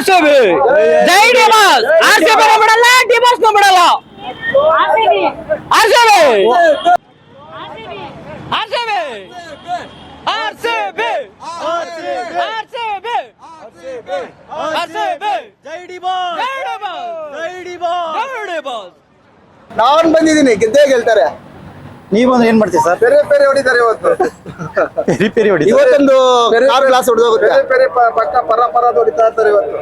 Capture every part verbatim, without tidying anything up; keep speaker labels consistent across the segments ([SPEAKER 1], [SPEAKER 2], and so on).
[SPEAKER 1] RCB ಜೈ ಡಿಮಾಸ್ RCB ಬಿಡಲ್ಲ D boss ಬಿಡಲ್ಲ RCB RCB RCB RCB RCB RCB ಜೈ ಡಿಮಾಸ್ ಜೈ ಡಿಮಾಸ್ ಜೈ ಡಿಮಾಸ್ ಜೈ ಡಿಮಾಸ್
[SPEAKER 2] ನಾನ್ ಬಂದಿದ್ದೀನಿ ಗೆದ್ದೇ ಗೆಲ್ತಾರೆ.
[SPEAKER 3] ನೀವು ಅಂದ್ರೆ ಏನ್ ಮಾಡ್ತೀವಿ ಸರ್?
[SPEAKER 2] ಬೇರೆ ಬೇರೆ ಹೊಡಿತಾರೆ ಇವತ್ತು.
[SPEAKER 3] ಪೆರಿ ಪೆರಿ ಹೊಡಿ
[SPEAKER 2] ಇವತ್ತೊಂದು ಕಾರ್ ಗ್ಲಾಸ್ ಹೊಡೆದೋಗುತ್ತೆ. ಬೇರೆ ಬೇರೆ ಪಕ್ಕ ಪರ ಪರ ಹೊಡಿತಾ ಇರ್ತಾರೆ ಇವತ್ತು.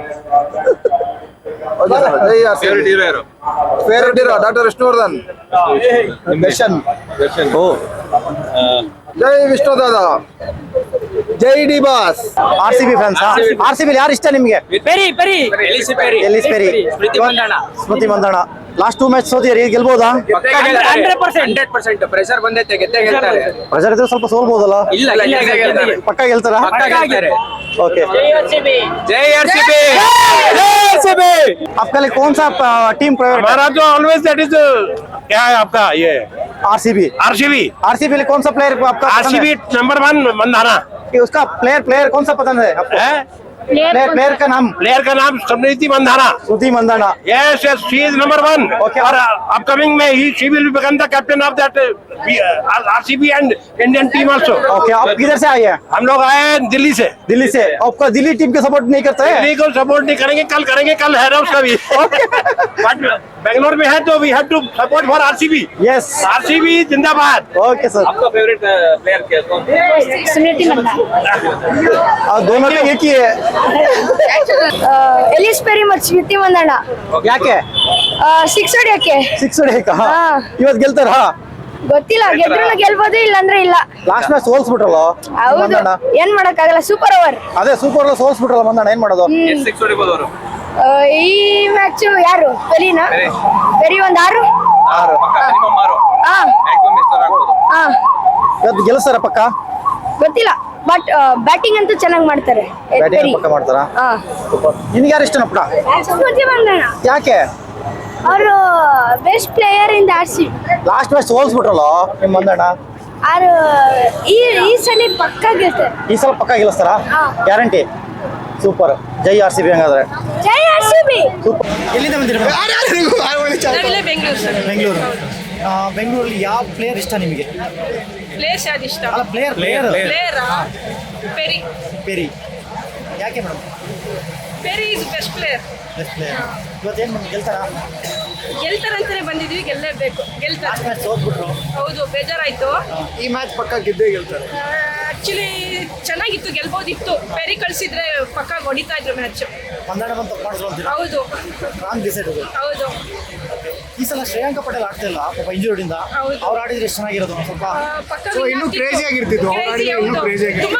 [SPEAKER 2] ಫೇವರೇಟ್ ಹೀರೋ ಯಾರು? Favourite hero doctor Vishnuvardhan. Darshan.
[SPEAKER 3] ಓ
[SPEAKER 2] ಜೈ ವಿಷ್ಣುದಾದ. ಜೈ D boss.
[SPEAKER 3] R C B fans. R C B ಯಾರು ಇಷ್ಟ ನಿಮ್ಗೆ?
[SPEAKER 1] Perry Perry Ellyse Perry
[SPEAKER 3] Ellyse Perry
[SPEAKER 1] Smriti Mandhana
[SPEAKER 3] Smriti Mandhana last two match ಸೋತಿರಿ, ಗೆಲ್ಬೋದಾ?
[SPEAKER 1] ಹಂಡ್ರೆಡ್ ಪರ್ಸೆಂಟ್ ಪ್ರೆಷರ್ ಬಂದೈತೆ ಗೆದ್ದೇ ಗೆಲ್ತಾರೆ.
[SPEAKER 3] ಪ್ರೆಷರ್ ಇದ್ರೆ ಸ್ವಲ್ಪ ಸೋಲ್ಬೋದಲ್ಲ?
[SPEAKER 1] ಇಲ್ಲ ಇಲ್ಲ
[SPEAKER 3] ಪಕ್ಕ ಗೆಲ್ತಾರ? ओके
[SPEAKER 1] जय आरसीबी जय आरसीबी
[SPEAKER 3] आपका लिए कौन सा टीम फेवरेट?
[SPEAKER 4] हमारा तो ऑलवेज दैट इज क्या है आपका ये
[SPEAKER 3] आरसीबी.
[SPEAKER 4] आरसीबी.
[SPEAKER 3] आरसीबी लिए कौन सा प्लेयर आपका?
[SPEAKER 4] RCB number one Mandhana.
[SPEAKER 3] उसका प्लेयर प्लेयर कौन सा पसंद है आपको? प्लेयर प्लेयर का नाम?
[SPEAKER 4] प्लेयर का नाम Smriti Mandhana.
[SPEAKER 3] Smriti Mandhana.
[SPEAKER 4] Yes yes she is number one.
[SPEAKER 3] Okay.
[SPEAKER 4] और अपकमिंग में ही she will become the captain of that RCB and Indian team also.
[SPEAKER 3] Okay आप किधर से आए हैं?
[SPEAKER 4] हम लोग आए हैं दिल्ली से.
[SPEAKER 3] दिल्ली से. आपका दिल्ली टीम के सपोर्ट नहीं करते हैं?
[SPEAKER 4] दिल्ली को सपोर्ट नहीं करेंगे, कल करेंगे, कल है ना उसका भी. बट बेंगलोर में है तो we have to support for RCB.
[SPEAKER 3] Yes
[SPEAKER 4] RCB जिंदाबाद.
[SPEAKER 3] Okay sir.
[SPEAKER 1] आपका फेवरेट प्लेयर क्या कौन?
[SPEAKER 5] स्मृति मंदाना.
[SPEAKER 3] दोनों का एक ही है.
[SPEAKER 5] ಎಲಿಸ್ ಪೆರಿ ಮತ್ತು ಸ್ಮೃತಿ ಮಂದಣ್ಣ.
[SPEAKER 3] ಯಾಕೆ
[SPEAKER 5] ಸಿಕ್ಸ್ ಹೊಡಿಯಕ್ಕೆ?
[SPEAKER 3] ಸಿಕ್ಸ್ ಹೊಡೆಯಕ
[SPEAKER 5] ಹಾ.
[SPEAKER 3] ಇವತ್ತು ಗೆಲ್ತಾರ?
[SPEAKER 5] ಗೊತ್ತಿಲ್ಲ, ಗೆದ್ರು ಗೆಲ್ಬೋದು ಇಲ್ಲಾಂದ್ರೆ ಇಲ್ಲ.
[SPEAKER 3] ಲಾಸ್ಟ್ ಮ್ಯಾಚ್ ಸೋಲ್ಸ್ಬಿಟ್ರಲ್ಲ
[SPEAKER 5] ಹೌದು,
[SPEAKER 3] ಮಂದಣ್ಣ.
[SPEAKER 5] ಏನ್ ಮಾಡಕ್ ಆಗಲ್ಲ, ಸೂಪರ್ ಓವರ್.
[SPEAKER 3] ಅದೇ ಸೂಪರ್ ಸೋಲ್ಸ್ಬಿಟ್ರಲ್ಲ ಮಂದಣ್ಣ, ಏನ್ ಮಾಡೋದು?
[SPEAKER 1] ಸಿಕ್ಸ್ ಹೊಡಿಬೋದು ಅವರು.
[SPEAKER 5] ಈ ಮ್ಯಾಚ್ ಯಾರು? ಪೆರಿನಾ? ಪೆರಿ ಒಂದ್ ಆರು.
[SPEAKER 3] ಆರು.
[SPEAKER 1] ಮಿನಿಮಮ್ ಆರು.
[SPEAKER 5] ಹಾ
[SPEAKER 1] ಮ್ಯಾಕ್ಸಿಮಮ್ ಎಷ್ಟು ಆಗ್ಬೋದು?
[SPEAKER 5] ಹಾ
[SPEAKER 3] ಇವತ್ತು ಗೆಲ್ಸಾರ ಪಕ್ಕ?
[SPEAKER 5] ಗೊತ್ತಿಲ್ಲ, ಬಟ್ ಬ್ಯಾಟಿಂಗ್ ಅಂತೂ ಚೆನ್ನಾಗಿ ಮಾಡ್ತಾರೆ.
[SPEAKER 3] ಬ್ಯಾಟಿಂಗ್ ಪಕ್ಕ ಮಾಡ್ತಾರ?
[SPEAKER 5] ಹಾ.
[SPEAKER 3] ನಿನ್ಗೆ ಯಾರು ಇಷ್ಟ ಪುಟ?
[SPEAKER 5] ಸ್ಮೃತಿ ಮಂದಣ್ಣ.
[SPEAKER 3] ಯಾಕೆ?
[SPEAKER 5] ಅವರು best player in R C B.
[SPEAKER 3] Last match ಸೋಲ್ಸ್ಬಿಟ್ರಲ್ಲ ನಿಮ್ ಮಂದಣ್ಣ.
[SPEAKER 5] ಆರು ಈ ಈ ಸಲ ಪಕ್ಕ ಗೆಲ್ತಾರೆ.
[SPEAKER 3] ಈ ಸಲ ಪಕ್ಕ ಗೆಲ್ಲಿಸ್ತಾರ?
[SPEAKER 5] ಹಾ.
[SPEAKER 3] ಗ್ಯಾರಂಟಿ. ಸೂಪರ್. ಜೈ ಆರ್ ಸಿ ಬಿ. ಹಂಗಾದ್ರೆ
[SPEAKER 5] ಜೈ ಆರ್ ಸಿ ಬಿ.
[SPEAKER 3] ಸೂಪರ್. ಎಲ್ಲಿಂದ ಬಂದಿರ?
[SPEAKER 6] ಬೆಂಗಳೂರು
[SPEAKER 3] ಬೆಂಗಳೂರು. ಬೆಂಗಳೂರಲ್ಲಿ ಯಾವ ಪ್ಲೇಯರ್ ಇಷ್ಟ ನಿಮಗೆ?
[SPEAKER 6] ಪ್ಲೇಸ್ ಯಾವ್ದು ಇಷ್ಟ?
[SPEAKER 3] ಅಲ್ಲ player player
[SPEAKER 6] player Perry.
[SPEAKER 3] Perry. ಯಾಕೆ madam?
[SPEAKER 6] Perry is best player.
[SPEAKER 3] Best player. ಇವತ್ತೇನು ಮೇಡಮ್ ಗೆಲ್ತಾರ?
[SPEAKER 6] ಗೆಲ್ತಾರಂತಾನೆ ಬಂದಿದ್ವಿ, ಗೆಲ್ಲೇಬೇಕು. ಗೆಲ್ತಾರೆ.
[SPEAKER 3] ಲಾಸ್ಟ್ ಮ್ಯಾಚ್ ಸೋತ್ಬಿಟ್ರು.
[SPEAKER 6] ಹೌದು, ಬೇಜಾರಾಯ್ತು.
[SPEAKER 2] ಈ ಮ್ಯಾಚ್ ಪಕ್ಕ ಗೆದ್ದೇ ಗೆಲ್ತಾರೆ.
[SPEAKER 6] ಆಕ್ಚುಲಿ ಚೆನ್ನಾಗಿತ್ತು, ಗೆಲ್ಬೋದಿತ್ತು. ಪೆರಿ ಕಳ್ಸಿದ್ರೆ ಪಕ್ಕ ಹೊಡಿತಾ ಇದ್ರು ಮ್ಯಾಚ್.
[SPEAKER 3] ಮಂದಣ್ಣ ಬಂದು ತಪ್ಪು ಮಾಡಿದ್ರು ಅಂತೀರಾ?
[SPEAKER 6] ಹೌದು
[SPEAKER 3] ರಾಂಗ್ ಡಿಸೈಡ್ ಅದು.
[SPEAKER 6] ಹೌದು.
[SPEAKER 3] ಈ ಸಲ ಶ್ರೇಯಾಂಕ ಪಟೇಲ್ ಆಡ್ತಾ ಇಲ್ಲ ಪಾಪ ಇಂಜುರಿಯಿಂದ.
[SPEAKER 6] ಹೌದು.
[SPEAKER 3] ಅವ್ರು ಆಡಿದ್ರೆ ಎಷ್ಟು ಚೆನ್ನಾಗಿರೋದು ಒಂದ್ ಸ್ವಲ್ಪ.
[SPEAKER 6] ಆ, ಪಕ್ಕ
[SPEAKER 2] So, ಇನ್ನೂ crazy ಆಗಿರ್ತಿತ್ತು. ಅವ್ರು ಆಡಿದ್ರೆ ಇನ್ನೂ crazy ಆಗಿರ್ತಿತ್ತು.
[SPEAKER 6] ತುಂಬಾ